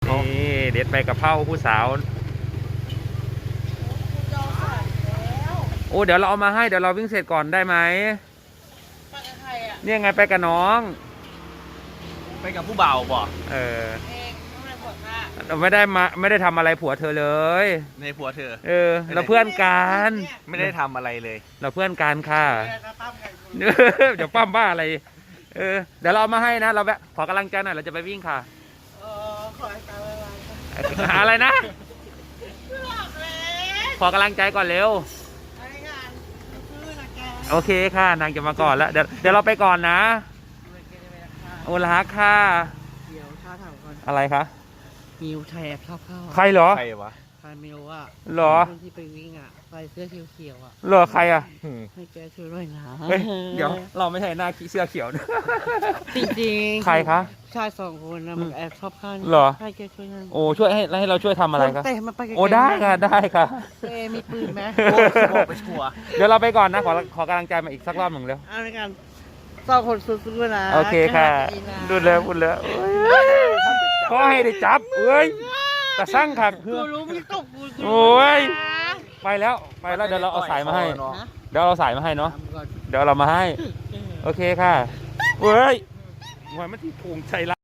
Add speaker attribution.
Speaker 1: นี่เด็ดใบกะเพราผู้สาวโอ้เดี๋ยวเราเอามาให้เดี๋ยวเราวิ่งเสร็จก่อนได้ไหม
Speaker 2: ไปกับใครอ่ะ
Speaker 1: เนี่ยไงไปกับน้อง
Speaker 3: ไปกับผู้บ่าวบ่
Speaker 2: เองต้องไปบอกว่า
Speaker 1: เราไม่ได้ทำอะไรผัวเธอเลย
Speaker 3: ในผัวเธอ
Speaker 1: เราเพื่อนกัน
Speaker 3: ไม่ได้ทำอะไรเลย
Speaker 1: เราเพื่อนกันค่ะ
Speaker 2: จะปั้มใคร
Speaker 1: เดี๋ยวปั้มบ้าอะไรเดี๋ยวเราเอามาให้นะเราแบบขอกำลังใจหน่อยเราจะไปวิ่งค่ะ
Speaker 2: ขอให้ตาไว
Speaker 1: หาอะไรนะ
Speaker 2: ๆหลอกเลย
Speaker 1: ขอกำลังใจก่อนเร็ว
Speaker 2: อะไรกันซื้อนะแก
Speaker 1: โอเคค่ะนางจะมาก่อนแล้วเดี๋ยวเราไปก่อนนะโอลาค่ะ
Speaker 2: เดี๋ยวชาถามก่อน
Speaker 1: อะไรคะ
Speaker 2: มิวไทยแอบชอบเข้า
Speaker 1: ใครเหรอ
Speaker 3: ใครวะ
Speaker 2: ใครมิวอ่ะ
Speaker 1: เหรอ
Speaker 2: คนที่ไปวิ่งอ่ะใส่เสื้อเขียวๆอ่ะ
Speaker 1: เหรอใครอ่ะ
Speaker 2: ให้แกช่วยด้วยนะ
Speaker 1: เฮ้ยเดี๋ยวเราไม่ใช่หน้าเสื้อเขียวนะ
Speaker 2: จริงๆ
Speaker 1: ใครคะ
Speaker 2: ชาย2 คนนะมันแอบชอบเข้านี่
Speaker 1: เหรอ
Speaker 2: ให้แกช่วยนั่น
Speaker 1: โอ้ช่วยให้เราช่วยทำอะไรครับ
Speaker 2: เตะมันไปไกลๆ
Speaker 1: โอ้ได้ค่ะได้ค่ะ
Speaker 2: เอมีปืนไหม
Speaker 3: บอกไปชัวร์
Speaker 1: เดี๋ยวเราไปก่อนนะขอกำลังใจมาอีกสักรอบหนึ่งเร็ว
Speaker 2: เอาในการ2 คนสู้ๆนะ
Speaker 1: โอเคค่ะ
Speaker 2: ดีนะ
Speaker 1: ดูเลยพูดเลยขอให้ได้จับเอ้ยแต่สร้างขัด
Speaker 2: กูรู้มึงตบกู
Speaker 1: โอ้ย
Speaker 2: นะ
Speaker 1: ไปแล้วเดี๋ยวเราเอาสายมาให้
Speaker 2: ฮะ
Speaker 1: เดี๋ยวเราสายมาให้เนาะ
Speaker 2: ทำก่อน
Speaker 1: เดี๋ยวเรามาให้ โอเคค่ะเฮ้ยมวยมันที่ภูมิใจละ